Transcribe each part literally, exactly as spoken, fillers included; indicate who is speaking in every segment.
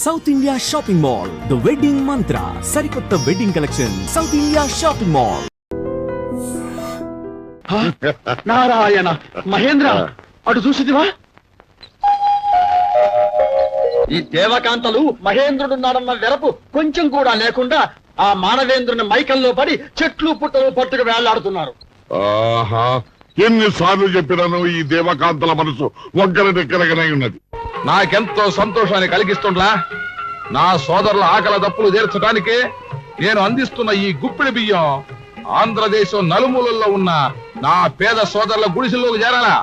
Speaker 1: South India shopping mall, the wedding Mantra, సరికొత్త wedding collection, South India shopping mall.
Speaker 2: Narayana Mahendra, అటు చూసిదివా? ఈ దేవకాంతలు మహేంద్రుడున్నాడన్న వెరపు కొంచెం కూడా లేకుండా ఆ మానవేంద్రుని మైకల్లో పడి చెట్లు పుట్టలు పట్టుకు వేళ్లాడుతున్నారు.
Speaker 3: ఆహా, ఎన్నిసార్లు చెప్పినాను ఈ దేవకాంతల మనసు ఒక్కరి దగ్గరగానే ఉన్నది.
Speaker 4: నాకెంతో సంతోషాన్ని కలిగిస్తుండ్లా. నా సోదరుల ఆకల దప్పులు తీర్చడానికి నేను అందిస్తున్న ఈ గుప్పిడి బియ్యం ఆంధ్రదేశం నలుమూలల్లో ఉన్న నా పేద సోదరుల గుడిసెల్లోకి చేరాలా?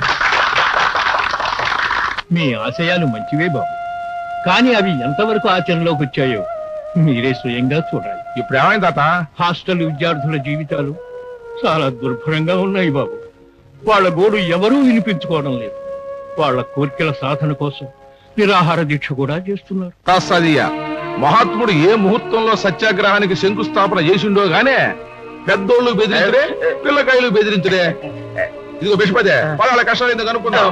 Speaker 5: మీ ఆశయాలు మంచివే బాబు, కానీ అవి ఎంతవరకు ఆచరణలోకి వచ్చాయో మీరే స్వయంగా చూడాలి.
Speaker 4: ఇప్పుడు ఏమైంది తాత?
Speaker 5: హాస్టల్ విద్యార్థుల జీవితాలు చాలా దుర్భరంగా ఉన్నాయి బాబు. వాళ్ళ గోడు ఎవరూ వినిపించుకోవడం లేదు. వాళ్ళ కోరికల సాధన కోసం నిరాహార దీక్ష కూడా చేస్తున్నారు.
Speaker 4: కాస్తాదియ్య, మహాత్ముడు ఏ ముహూర్తంలో సత్యాగ్రహానికి శంకుస్థాపన చేసిండో గానే పెద్దోళ్ళు బెదిరించడే, పిల్లకాయలు బెదిరించడే. ఇదిగో బిషపదే, పలాల కష్టాలు ఎందుకు అనుకుందాం.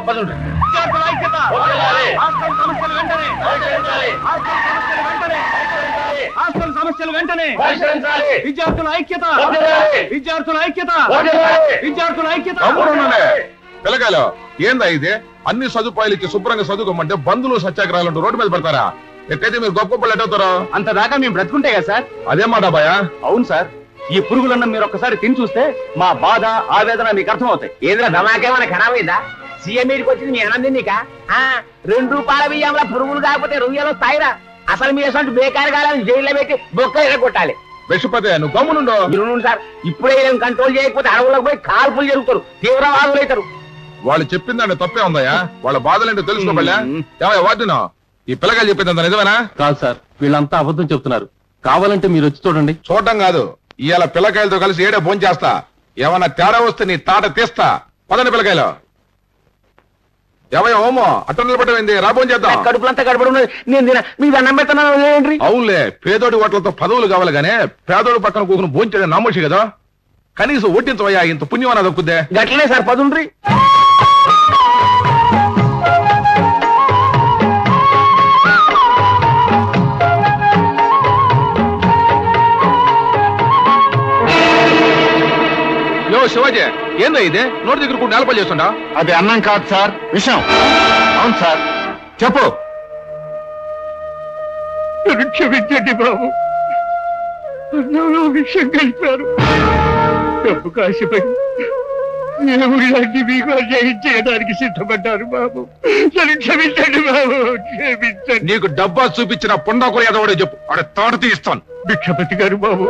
Speaker 2: సమస్యలు వెంటనే, విద్యార్థుల ఐక్యత, విద్యార్థుల ఐక్యత, విద్యార్థుల ఐక్యత.
Speaker 4: పిల్లకాయలు ఏందా ఇది? అన్ని సదుపాయాలు ఇచ్చి శుభ్రంగా చదువుకోమంటే బంధువులు సత్యాగ్రహాలు రోడ్డు మీద పెడతారా? ఎట్టయితే మీరు గొప్ప గొప్పలు ఎట్టవుతారో
Speaker 2: అంత దాకా మేము బ్రతుకుంటే కదా సార్.
Speaker 4: అదే మాట బాయా.
Speaker 2: అవును సార్, ఈ పురుగులన్న మీరు ఒక్కసారి తిని చూస్తే మా బాధ ఆవేదన మీకు అర్థం అవుతాయి.
Speaker 6: ఏదైనా ధమాకేమైనా ఖరాబ్ అయిందా? సీఎం మీదకి వచ్చింది మీ అన్నం తిన్నీక? రెండు రూపాయల బియ్యంలో పురుగులు కాకపోతే రొయ్యలు వస్తాయిరా. అసలు మీ అసలు బేకారు కాలని జైల్లో పెట్టి బొక్క ఎరగొట్టాలి.
Speaker 4: విషపతే నువ్వు గమ్మునుండో.
Speaker 6: మీరు సార్, ఇప్పుడే కంట్రోల్ చేయకపోతే అడవులకు పోయి కాల్పులు జరుగుతారు, తీవ్రవాదులు అవుతారు.
Speaker 4: వాళ్ళు చెప్పిందండి తప్పే ఉందయ్యా. వాళ్ళ బాధలేంటో తెలుసుకోబల్లా. ఏమయ్యా వాటినో ఈ పిల్లగాలు చెప్పిందంత నిజమేనా?
Speaker 2: కాదు సార్, వీళ్ళంతా అబద్ధం చెప్తున్నారు. కావాలంటే మీరు వచ్చి చూడండి.
Speaker 4: చూడటం కాదు, ఇవాళ పిల్లకాయలతో కలిసి ఏడే భోజనం చేస్తా. ఏమన్నా తేడా వస్తే నీ తాట తీస్తా. పదండి పిల్లకాయలు. ఏమయ్యా ఓమో అట్ట నిలబడమైంది, రా భోజనం చేద్దాం.
Speaker 6: కడుపులంతా గడపడి ఉన్నది, నేను తిన మీకు అన్నం పెడతాను.
Speaker 4: అవునులే, పేదోడి ఓట్లతో పదవులు కావాలి గానే పేదోడి పక్కన కూకుని భోంచడం నమ్మోషి కదా. కనీసం ఒట్టించవయ్యా, ఇంత పుణ్యం అన్నది దక్కుద్దే.
Speaker 6: గట్లనే సార్, పదుండ్రి.
Speaker 4: యో శివాజీ, ఏందా ఇదే? నోటి దగ్గర కూడా నేలపల్లి చేస్తుండా?
Speaker 2: అది అన్నం కాదు సార్, విషయం. అవును సార్, చెప్పు.
Speaker 5: క్షమించండి బాబు, అన్నంలో విషయం కలిపారు. డబ్బు కాసిపై మేము ఇలాంటి మీకు అన్యాయం చేయడానికి సిద్ధపడ్డారు బాబు. నన్ను క్షమించండి బాబు, క్షమించండి.
Speaker 4: నీకు డబ్బా చూపించిన పొండాకు ఎదవడే చెప్పు, ఆడ తాట తీస్తాను.
Speaker 5: భిక్షపతి గారు బాబు.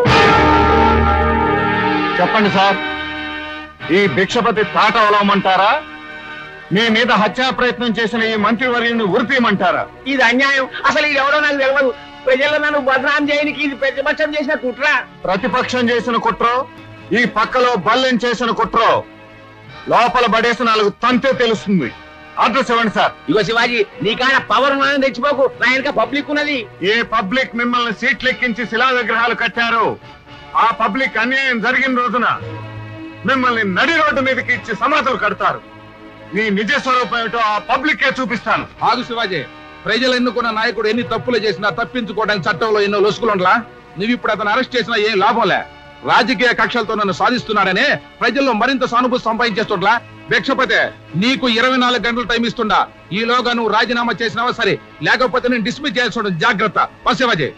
Speaker 2: చెప్పండి సార్, ఈ భిక్షపతి తాట అవలవమంటారా? మీ మీద హత్యా ప్రయత్నం చేసిన ఈ మంత్రివర్యుని ఉరిపీయమంటారా?
Speaker 6: ఇది అన్యాయం. అసలు ఇది ఎవడో నాకు తెలియదు. ప్రజల్లో నన్ను బదనాం చేయడానికి ఇది ప్రతిపక్షం చేసిన కుట్ర.
Speaker 2: ప్రతిపక్షం చేసిన కుట్రో, ఈ పక్కలో బల్లెం చేసిన కుట్రో లోపల పడేసి నాలుగు తంతే తెలుస్తుంది. అడ్రస్ ఇవ్వండి సార్.
Speaker 6: ఇగో శివాజీ, నీకాడ పవర్ ఉన్నదని తెచ్చిపోకు, నా వెనక పబ్లిక్ ఉన్నది.
Speaker 2: ఏ పబ్లిక్ మిమ్మల్ని సీట్లు ఎక్కించి శిలా విగ్రహాలు కట్టారో ఆ పబ్లిక్ అన్యాయం జరిగిన రోజున మిమ్మల్ని నడి రోడ్డు మీదకి ఇచ్చి సమాధులు కడతారు. మీ నిజ స్వరూపం ఏమిటో ఆ పబ్లిక్కే చూపిస్తాను.
Speaker 4: ఆగు శివాజీ, ప్రజలు ఎన్నుకున్న నాయకుడు ఎన్ని తప్పులు చేసినా తప్పించుకోవడానికి చట్టంలో ఎన్నో లొసుకులుండలా. నువ్వు ఇప్పుడు అతను అరెస్ట్ చేసినా ఏం లాభంలే. రాజకీయ కక్షలతో నన్ను సాధిస్తున్నాడనే ప్రజల్లో మరింత సానుభూతి సంపాదించేస్తుండ్లా. భిక్షపతే, నీకు ఇరవై నాలుగు గంటలు టైం ఇస్తుండా. ఈలోగా నువ్వు రాజీనామా చేసినావా సరే, లేకపోతే నేను డిస్మిస్ చేయాల్సి జాగ్రత్త. శివాజీ,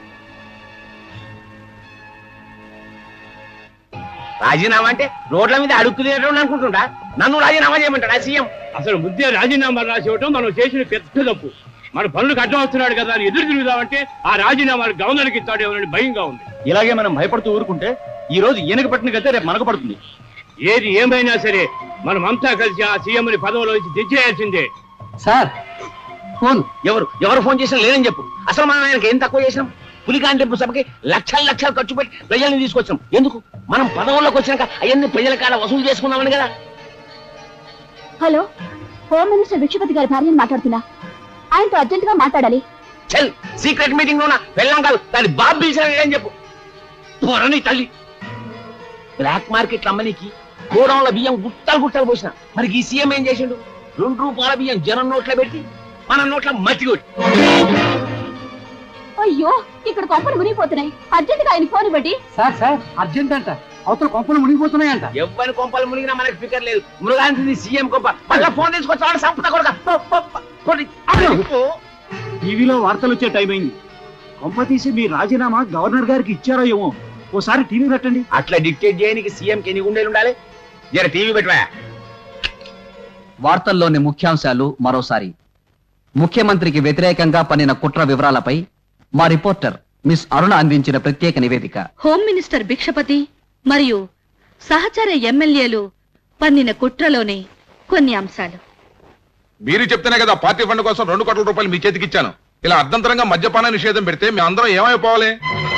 Speaker 6: రాజీనామా అంటే రోడ్ల మీద అడుక్కునేటోడు అనుకుంటుంటా. నన్ను రాజీనామా చేయమంటాడా సీఎం?
Speaker 5: అసలు ముద్దే రాజీనామా రాసి ఇవ్వటం మనం చేసిన పెద్ద తప్పు. మన పనులకు అడ్డం వస్తున్నాడు కదా అని ఎదురు తిరుగుదామంటే ఆ రాజీనామాలు గవర్నర్కి ఇస్తాడేమోనని భయంగా ఉంది.
Speaker 2: ఇలాగే మనం భయపడుతూ ఊరుకుంటే ఈ రోజు ఈయనకు పట్టిన గతే రేపు మనకు పడుతుంది.
Speaker 5: ఏది ఏమైనా సరే మనం అంతా కలిసి ఆ సీఎంని పదవిలో నుంచి తెచ్చేయాల్సిందే.
Speaker 6: సార్ ఫోన్ ఎవరు ఎవరు ఫోన్ చేసినా లేదని చెప్పు. అసలు మనం ఆయనకి ఏం తక్కువ చేసినాం? పులికాంటి సభకి లక్షల లక్షలు ఖర్చు పెట్టి ప్రజల్ని తీసుకొచ్చాం. ఎందుకు? మనం పదవుల్లోకి వచ్చినాక అవన్నీ ప్రజల కాడ వసూలు చేసుకుందామని కదా.
Speaker 7: హలో, హోమ్ మినిస్టర్ భిక్షపతి గారి భార్యని మాట్లాడుతున్నా. ఆయనతో అర్జెంట్ గా మాట్లాడాలి.
Speaker 6: చల్, సీక్రెట్ మీటింగ్ లోనా వెళ్ళాం కాదు, దాని బాబు పిలిచాడని చెప్పు. త్వరని తల్లి బ్లాక్ మార్కెట్ అమ్మనికి గోడౌన్ల బియ్యం గుట్టలు గుట్టలు పోసిన. మరి ఈ సీఎం ఏం చేసిండు? రెండు రూపాయల బియ్యం జనం నోట్లో పెట్టి మన నోట్ల మట్టి కొట్టి
Speaker 7: అయ్యో ఇక్కడ కొంపలు మునిగిపోతున్నాయి అర్జెంట్ గా ఆయన ఫోన్ ఇవ్వండి.
Speaker 8: సార్ సార్ అర్జెంట్ అంట, అవతల కొంపలు మునిగిపోతున్నాయంట.
Speaker 6: ఎవ్వరి కొంపలు మునిగినా మనకి ఫికర్ లేదు. మృగాంతి సీఎం కొంప మళ్ళా ఫోన్ తీసుకొచ్చాడు సంపద కొడుక.
Speaker 8: టీవీలో వార్తలు వచ్చే టైం అయింది. కొంప తీసి మీ రాజీనామా గవర్నర్ గారికి ఇచ్చారో ఏమో, ఓసారి టీవీ పెట్టండి.
Speaker 6: అట్లా డిక్టేట్ చేయడానికి సీఎం కి ఎన్ని గుండెలు ఉండాలి? జర టీవీ పెట్టవా.
Speaker 9: వార్తల్లోని ముఖ్యాంశాలు మరోసారి. ముఖ్యమంత్రికి వ్యతిరేకంగా పన్నిన కుట్ర వివరాలపై మా రిపోర్టర్ మిస్ అరుణ అందించిన ప్రత్యేక నివేదిక.
Speaker 10: హోమ్ మినిస్టర్ భిక్షపతి మరియు సహచర ఎమ్మెల్యేలు పన్నిన కుట్రలోని కొన్ని అంశాలు.
Speaker 4: మీరు చెప్తేనే కదా పార్టీ ఫండ్ కోసం రెండు కోట్ల రూపాయలు మీ చేతికి ఇచ్చాను. ఇలా అర్ధంతరంగా మద్యపాన నిషేధం పెడితే మీ అందరం ఏమైపోవాలి?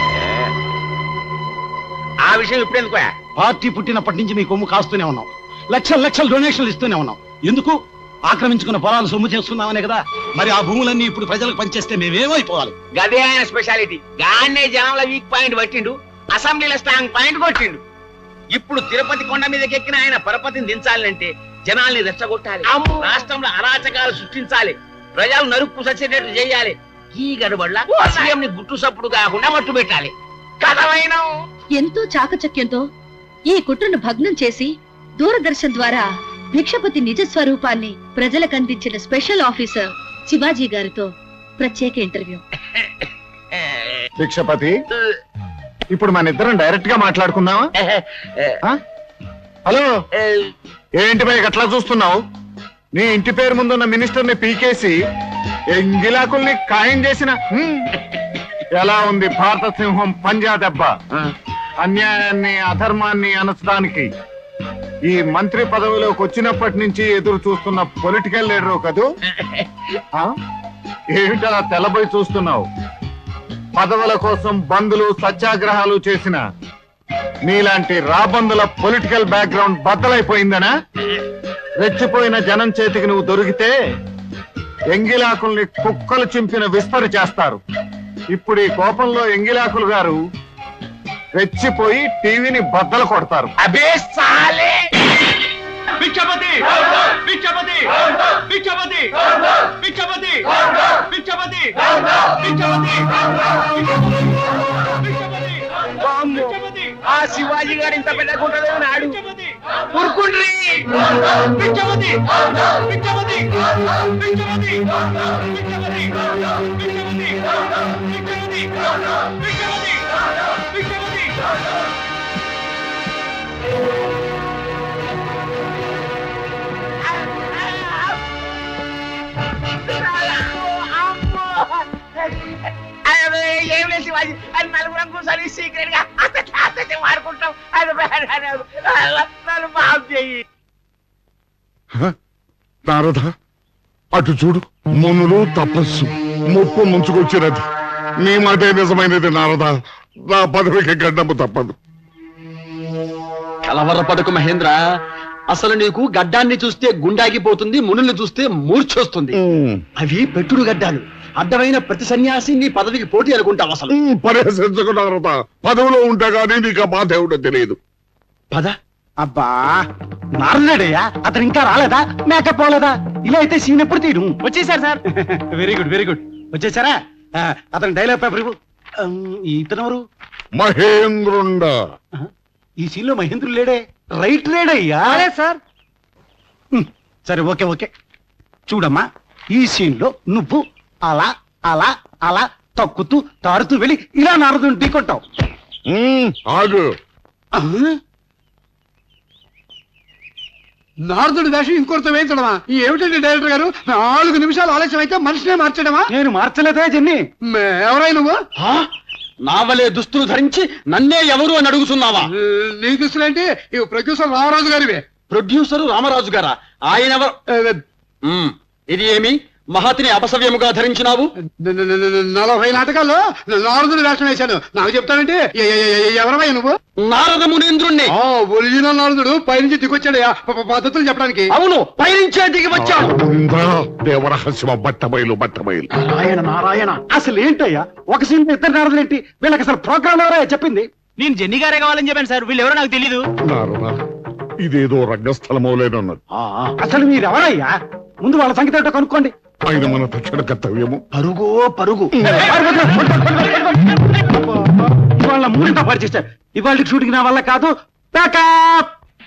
Speaker 6: ఆ విషయం ఇప్పుడెందుకు?
Speaker 8: పార్టీ పుట్టినప్పటి నుంచి మీ కొమ్ము కాస్తూనే ఉన్నాం, లక్షల లక్షల డొనేషన్లు ఇస్తూనే ఉన్నాం. ఎందుకు? ఆక్రమించుకున్న పొలాలు సొమ్ము చేసుకుందామనే కదా. మరి ఆ భూములన్నీ ఇప్పుడు ప్రజలకు పనిచేస్తే మేమేమైపోవాలి?
Speaker 6: గదే ఆయన స్పెషాలిటీ. గానే జనంలో వీక్ పాయింట్ పట్టిండు, అసెంబ్లీలో స్ట్రాంగ్ పాయింట్ కొట్టిండు. ఇప్పుడు తిరుపతి కొండ మీదకి ఎక్కిన ఆయన పరపతిని దించాలంటే జనాల్ని రెచ్చగొట్టాలి, రాష్ట్రంలో అరాచకాలు సృష్టించాలి, ప్రజలు నరుక్కు సచ్చేటట్టు చేయాలి. ఈ గడబడ్ల సీఎం ని గుట్టు సప్పుడు కాకుండా మట్టు పెట్టాలి. కథమైన
Speaker 10: ఎంతో చాకచక్యంతో ఈ కుట్రను భగ్నం చేసి దూరదర్శన్ ద్వారా భిక్షపతి నిజ స్వరూపాన్ని ప్రజలకు అందించిన స్పెషల్ ఆఫీసర్ శివాజీ గారితో ప్రత్యేక ఇంటర్వ్యూ.
Speaker 2: భిక్షపతి, ఇప్పుడు మన ఇద్దరం డైరెక్ట్ గా మాట్లాడుకుందామా? ఆ? హలో, ఏంటి భయ్ అట్లా చూస్తున్నావు? నీ ఇంటి పేరు ముందున్న మినిస్టర్ ని పీకేసి ఎంగిలాకుల్ని ఖాయం చేసిన హ్మ్. ఎలా ఉంది భారత సింహం పంజా దెబ్బ? అన్యాయాన్ని అధర్మాన్ని అనచడానికి ఈ మంత్రి పదవిలోకి వచ్చినప్పటి నుంచి ఎదురు చూస్తున్న పొలిటికల్ లీడరు కదూ? ఆ? ఏమిటలా తెల్లబోయి చూస్తున్నావు? పదవుల కోసం బంధులు సత్యాగ్రహాలు చేసిన నీలాంటి రాబందుల పొలిటికల్ బ్యాక్గ్రౌండ్ బద్దలైపోయిందనా? రెచ్చిపోయిన జనం చేతికి నువ్వు దొరికితే ఎంగిలాకుల్ని కుక్కలు చింపిన విస్తరి చేస్తారు. ఇప్పుడు ఈ కోపంలో ఎంగిలాకులు గారు రెచ్చిపోయి టీవీని బద్దలు కొడతారు.
Speaker 6: అబే సాలే!
Speaker 5: భిక్షపతి భిక్షపతి భిక్షపతి భిక్షపతి భిక్షపతి భిక్షపతి
Speaker 6: ఆ శివాజీ గారు ఇంత పెద్ద గుంటలో నాడు ఊరుకుండ్రి.
Speaker 5: భిక్షపతి భిక్షపతి భిక్షపతి భిక్షపతి భిక్షపతి భిక్షపతి భిక్షపతి భిక్షపతి
Speaker 6: ఏం లేదు శివాజీ, అది నలుగురం కూర్చొని సీక్రెట్ గా అత్తే వాడుకుంటాం. అది నన్ను మాఫ్ చెయ్యి.
Speaker 3: నారద, అటు చూడు, మునులు తపస్సు ముప్పు ముంచుకొచ్చినది. నీ మాటే నిజమైనది నారద. నా పదవికి గడ్డము తప్పదు.
Speaker 9: కలవరపడకు మహేంద్ర. అసలు నీకు గడ్డాన్ని చూస్తే గుండాగిపోతుంది, మునుల్ని చూస్తే మూర్చొస్తుంది. అవి పెట్టుడు గడ్డాలు. అడ్డమైన ప్రతి సన్యాసి నీ పదవికి పోటీ అనుకుంటావు. అసలు
Speaker 3: పరిహసించకు నారద. పదవిలో ఉంటే గానీ నీకు మా దేవుడో తెలియదు.
Speaker 9: పద.
Speaker 8: అబ్బా, నారదుడయ్యా, అతను ఇంకా రాలేదా? మేకప్ పోలేదా? ఇలా అయితే సీన్ ఎప్పుడు తీయడం? వచ్చేసారు sir. Very good very good. వచ్చేసారా? ఆ, అతను డైలాగ్ పేపర్ ఇవ్వు. ఉమ్, ఇతనెవరు?
Speaker 3: మహేంద్రుండ.
Speaker 8: ఈ సీన్ లో మహేంద్రుడు లేడే? Right లేడయ్యా sir. ఉమ్, సరే ఓకే ఓకే. చూడమ్మా, ఈ సీన్ లో నువ్వు అలా అలా అలా తక్కుతూ తారుతూ వెళ్ళి ఇలా నారదుని ఢీకొట్టావు.
Speaker 3: ఉమ్, ఆగు.
Speaker 8: నారదుడి వేషం ఇంకొకరితో వేయించడమా? ఏమిటండి డైరెక్టర్ గారు, నాలుగు నిమిషాలు ఆలస్యం అయితే మనిషినే మార్చడమా? నేను మార్చలేదా జన్ని? ఎవరై నువ్వు?
Speaker 9: నావలే దుస్తులు ధరించి నన్నే ఎవరు అని అడుగుతున్నావా?
Speaker 8: నీ దుస్తులేంటి? ఇవి ప్రొడ్యూసర్ రామరాజు గారివే.
Speaker 9: ప్రొడ్యూసరు రామరాజు గారా? ఆయన ఎవరు? ఉమ్, ఇది ఏమి మహతిని అపసవ్యముగా ధరించినావు?
Speaker 8: నలభై నాటకాల్లో నారదుడి వేషం వేశాను. నాకు చెప్తానంటే ఎవరమై నువ్వు?
Speaker 9: నారద మునీంద్రుణ్ణి.
Speaker 8: ఒరిజినల్ నారదుడు పైనుంచి దిగొచ్చాడయా పద్ధతులు చెప్పడానికి.
Speaker 9: అవును, పైనుంచే దిగి వచ్చాడు.
Speaker 3: దేవరహస్యమ బట్టబయలు బట్టబయలు.
Speaker 8: నారాయణ నారాయణ, అసలు ఏంటయ్యా ఒక సీన్ ఇద్దరు నారదులు ఏంటి? వీళ్ళకి అసలు ప్రోగ్రామ్ ఎవరయ్యా చెప్పింది?
Speaker 9: నేను జెన్నీ గారే కావాలని చెప్పాను సార్. వీళ్ళు ఎవరో నాకు తెలీదు.
Speaker 3: నారద, ఇదేదో రంగస్థలమోలేనన్నది.
Speaker 8: అసలు మీరెవరయ్యా? ముందు వాళ్ళ సంగతి ఏంటో కనుక్కోండి.
Speaker 3: ఆయన మన తక్షణ కర్తవ్యము.
Speaker 8: పరుగో పరుగు ఇవాళ మూడింత పరిచేస్తారు. ఇవాళ షూటింగ్ నా వల్ల కాదు. ప్యాకప్.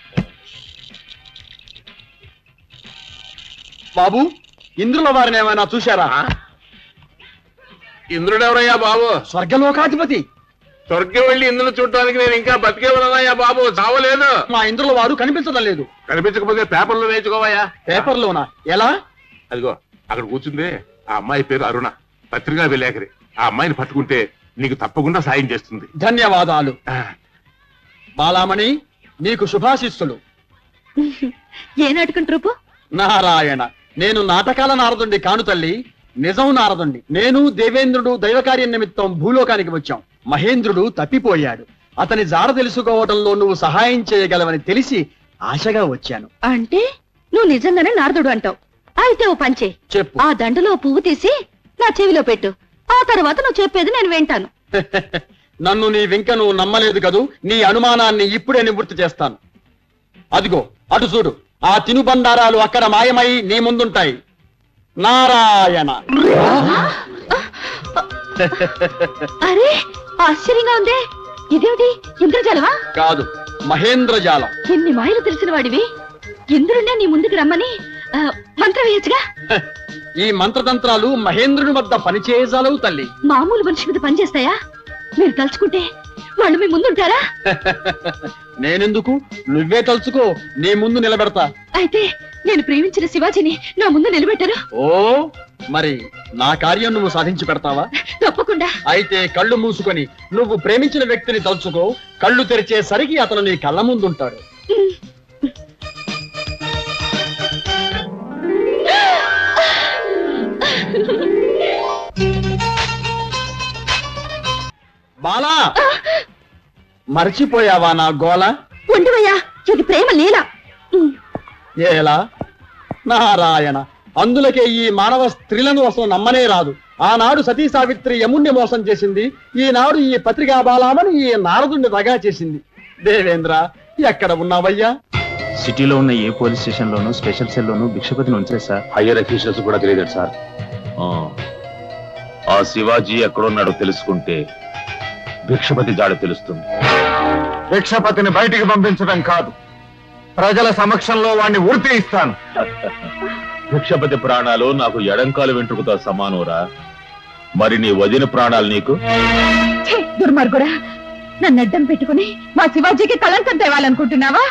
Speaker 9: బాబు, ఇంద్రుల వారిని ఏమైనా చూశారా?
Speaker 4: ఇంద్రుడెవరయ్యా బాబు?
Speaker 9: స్వర్గలోకాధిపతి.
Speaker 4: స్వర్గం వెళ్ళి ఇంద్రుడు చూడటానికి నేను ఇంకా బతికే ఉన్నానయ్యా బాబు, చావలేదు.
Speaker 9: మా ఇంద్రుల వారు కనిపించడం లేదు.
Speaker 4: కనిపించకపోతే పేపర్లో వేయించుకోవయ్యా.
Speaker 9: పేపర్లోనా? ఎలా?
Speaker 4: అదిగో అక్కడ కూర్చుంది ఆ అమ్మాయి పేరు అరుణ, పత్రికా విలేకరి. ఆ అమ్మాయిని పట్టుకుంటే నీకు తప్పకుండా సాయం చేస్తుంది.
Speaker 9: ధన్యవాదాలు. బాలామణి, నీకు శుభాశిస్సులు.
Speaker 10: ఏ నాటకం ట్రూపు?
Speaker 9: నారాయణ, నేను నాటకాల నారదుండి కాను తల్లి, నిజం నారదుండి. నేను దేవేంద్రుడు దైవకార్యం నిమిత్తం భూలోకానికి వచ్చాం. మహేంద్రుడు తప్పిపోయాడు. అతని జాడ తెలుసుకోవడంలో నువ్వు సహాయం చేయగలవని తెలిసి ఆశగా వచ్చాను.
Speaker 10: అంటే నువ్వు నిజంగానే నారదుడు అంటావు. అయితే ఓ పంచే,
Speaker 9: చెప్పు.
Speaker 10: ఆ దండలో పువ్వు తీసి నా చెవిలో పెట్టు. ఆ తర్వాత నువ్వు చెప్పేది నేను వింటాను.
Speaker 9: నన్ను నీ వెంక నువ్వు నమ్మలేదు కదూ. నీ అనుమానాన్ని ఇప్పుడే నివృత్తి చేస్తాను. అదిగో అటు చూడు, ఆ తినుబండారాలు అక్కడ మాయమై నీ ముందుంటాయి. నారాయణ.
Speaker 10: అరే ఆశ్చర్యంగా ఉందే, ఇదేమిటి? ఇంద్రజాలమా?
Speaker 9: కాదు, మహేంద్రజాలం.
Speaker 10: ఎన్ని మాయలు తెలిసిన వాడివి, ఇంద్రుడినే నీ ముందుకు రమ్మని ఆ, మంత్రం వేయచ్చుగా.
Speaker 9: ఈ మంత్రతంత్రాలు మహేంద్రుని వద్ద పనిచేయజాలవు తల్లి.
Speaker 10: మామూలు మనిషి మీద పనిచేస్తాయా? మీరు తలుచుకుంటే వాళ్ళు మీ ముందుంటారా?
Speaker 9: నేనెందుకు, నువ్వే తలుచుకో, నీ ముందు నిలబెడతా.
Speaker 10: అయితే నేను ప్రేమించిన శివాజీని నా ముందు నిలబెట్టారు.
Speaker 9: ఓ, మరి నా కార్యం నువ్వు సాధించి పెడతావా?
Speaker 10: తప్పకుండా.
Speaker 9: అయితే కళ్ళు మూసుకొని నువ్వు ప్రేమించిన వ్యక్తిని తలుచుకో. కళ్ళు తెరిచేసరికి అతను నీ కళ్ళ ముందుంటాడు. బాలా, మర్చిపోయావా నా గోల?
Speaker 10: ఉండవయ్యా, ఇది ప్రేమ లీల.
Speaker 9: ఏలా? నారాయణ, అందులకే ఈ మానవ స్త్రీలను అసలు నమ్మనే రాదు. ఆనాడు సతీ సావిత్రి యముణ్ణి మోసం చేసింది, ఈనాడు ఈ పత్రికా బాలామని ఈ నారదుణ్ణి దగా చేసింది. దేవేంద్ర, ఎక్కడ ఉన్నావయ్యా?
Speaker 11: సిటీలో ఉన్న ఏ పోలీస్ స్టేషన్ లోనూ స్పెషల్ సెల్ లోనూ భిక్షపతిని ఉంచే సార్.
Speaker 12: హయ్యర్ అఫీషియల్స్ కూడా తెలియదు సార్. ఆ శివాజీ ఎక్కడున్నాడో తెలుసుకుంటే భిక్షపతి జాడ తెలుస్తుంది.
Speaker 2: భిక్షపతిని బయటికి పంపించడం కాదు, ప్రజల సమక్షంలో వాణ్ణి ఉరి ఇస్తాను.
Speaker 12: భిక్షపతి ప్రాణాలు నాకు ఎడంకాలు వెంట్రుకతో సమానోరా. మరి నీ వదిన ప్రాణాలు నీకు?
Speaker 10: దుర్మార్గుడా, నన్ను అడ్డం పెట్టుకుని మా శివాజీకి కళంకం తేవాలనుకుంటున్నావా?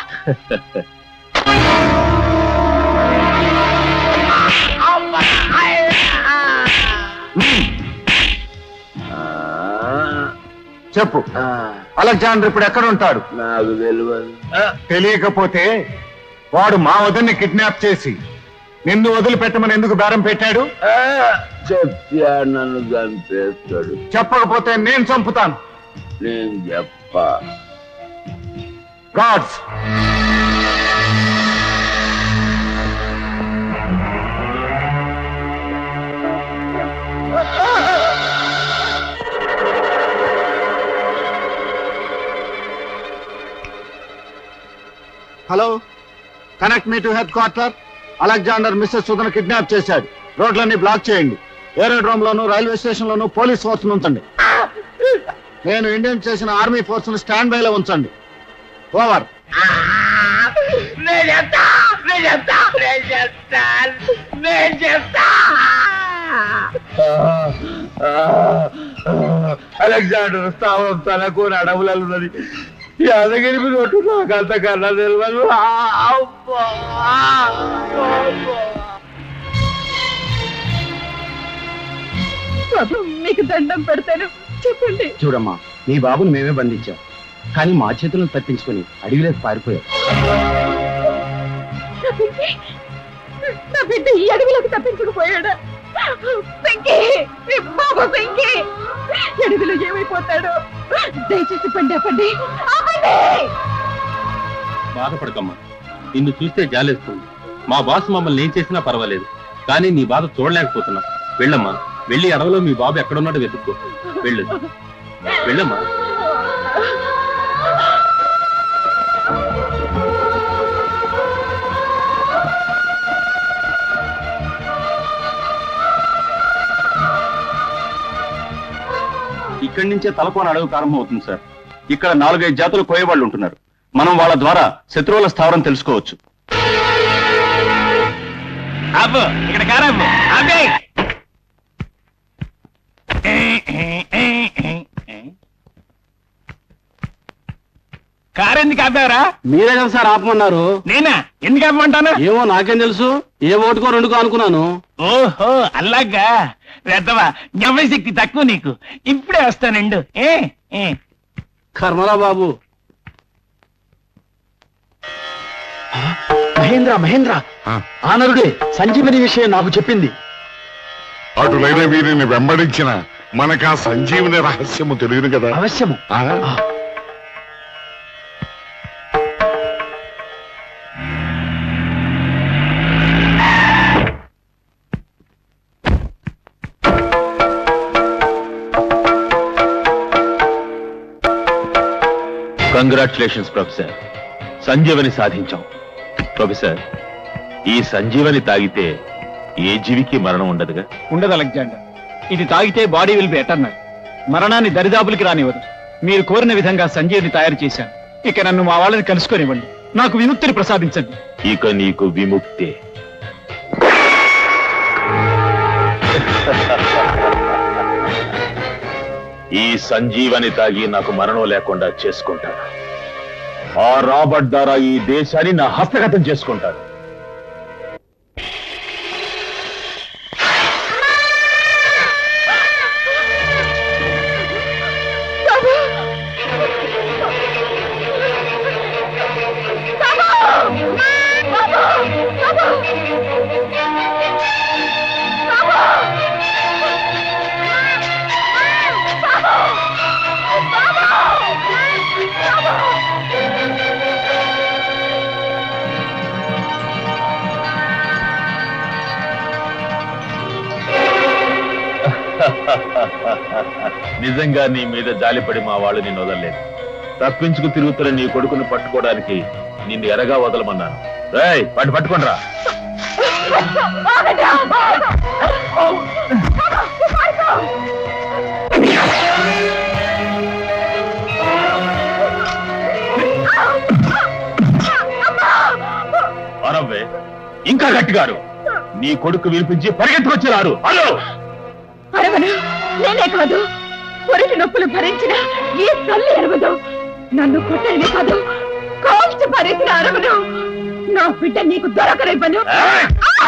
Speaker 2: చెప్పు, అలెగ్జాండర్ ఇప్పుడు ఎక్కడ ఉంటాడు?
Speaker 12: నాకు తెలియదు.
Speaker 2: తెలియకపోతే వాడు మా వదిన్ని కిడ్నాప్ చేసి నిన్ను వదిలిపెట్టమని ఎందుకు బేరం పెట్టాడు?
Speaker 12: చెప్తా, నన్ను చంపేస్తాడు.
Speaker 2: చెప్పకపోతే నేను చంపుతాను.
Speaker 12: నేను చెప్పా.
Speaker 2: Guards, hello, connect me to headquarter. Alexander Mrs సుధను కిడ్నాప్ చేశాడు. రోడ్లన్నీ బ్లాక్ చేయండి. ఏరోడ్రోమ్ లోను రైల్వే స్టేషన్ లోను పోలీస్ ఫోర్స్ ఉంచండి. నేను ఇండియన్ చేసిన ఆర్మీ ఫోర్స్ ను స్టాండ్ బై లో ఉంచండి. ఓవర్.
Speaker 12: అలెగ్జాండర్ స్థావరం తనకు అడవులలో ఉన్నది. యాదగిరి మీద ఒట్టు నాకు అంత కన్నా తెలియదు.
Speaker 10: మీకు దండం పెడతాను, చెప్పండి.
Speaker 11: చూడమ్మా, నీ బాబుని మేమే బంధించాం, కానీ మా చేతులను తప్పించుకుని అడవిలోకి పారిపోయాం.
Speaker 10: నా బిడ్డ, నా బిడ్డ ఈ అడవిలోకి తప్పించుకుపోయాడా? వెంకీ, బాబు వెంకీ, అడవిలో ఏమైపోతాడు? దయచేసి పండి ఆపండి, ఆపండి.
Speaker 11: బాధపడకమ్మా, నిన్ను చూస్తే జాలేస్తుంది. మా బాస్ మమ్మల్ని ఏం చేసినా పర్వాలేదు, కానీ నీ బాధ చూడలేకపోతున్నాం. వెళ్ళమ్మా, వెళ్ళి అడవిలో మీ బాబు ఎక్కడున్నాడో వెతుక్కో. వెళ్ళు, వెళ్ళమ్మా. ఇక్కడి నుంచే తలకోన అడవి ప్రారంభం అవుతుంది సార్. ఇక్కడ నాలుగైదు జాతులు కోయవాళ్ళు ఉంటున్నారు. మనం వాళ్ళ ద్వారా శత్రువుల స్థావరం తెలుసుకోవచ్చు.
Speaker 6: ఇక్కడ కారమ్ము అబ్బే కారెందుకు ఆపారా?
Speaker 9: మీరే కదా సార్ ఆపమన్నారు.
Speaker 6: నేనా? ఎందుకు ఆపమంటాను?
Speaker 9: ఏమో నాకేం తెలుసు, ఏ ఓటుకో రెండుకో అనుకున్నాను.
Speaker 6: ఓహో అలాగా. వెద్దవా, జ్ఞాపశక్తి తక్కువ నీకు. ఇప్పుడే వస్తానండు. ఏ ఏ
Speaker 9: కర్మరా బాబు. మహేంద్ర మహేంద్ర ఆనరుడే సంజీవని విషయం నాకు చెప్పింది.
Speaker 3: అటులైన వీరిని వెంబడించిన మనకు ఆ సంజీవుని రహస్యము తెలియదు కదా.
Speaker 9: అవశ్యము.
Speaker 3: ఆ?
Speaker 12: కంగ్రాచులేషన్స్ ప్రొఫెసర్, సంజీవని సాధించాం. ప్రొఫెసర్, ఈ సంజీవని తాగితే ఏ జీవికి మరణం ఉండదుగా?
Speaker 9: ఉండదు అలెగ్జాండర్. ఇది తాగితే బాడీ విల్ బి ఎటర్నల్. మరణాన్ని దరిదాపులకి రానివ్వదు. మీరు కోరిన విధంగా సంజీవిని తయారు చేశాను. ఇక నన్ను మా వాళ్ళని కలుసుకొనివ్వండి. నాకు విముక్తిని ప్రసాదించండి.
Speaker 12: ఇక నీకు విముక్తే. ఈ సంజీవని తాగి నాకు మరణం లేకుండా చేసుకుంటాను. ఆ రాబర్ట్ ద్వారా ఈ దేశాన్ని నా హస్తగతం చేసుకుంటాను. నిజంగా నీ మీద జాలిపడి మా వాళ్ళు నిన్ను వదలలేదు. తప్పించుకు తిరుగుతున్న నీ కొడుకును పట్టుకోవడానికి నిన్ను ఎరగా వదలమన్నాను. రేయ్, పట్టు పట్టుకోండి రా. అరవే, ఇంకా గట్టిగారు. నీ కొడుకు వినిపించి పరిగెత్తుకొచ్చారు. హలో,
Speaker 10: అరవను, నేనే కాదు, పొరిటి నొప్పులు భరించిన ఈ తల్లి అరవదు. నన్ను కొట్టని కాదు, కాల్చి పరిచిన అరవను. నా బిడ్డ నీకు దొరకనివ్వను.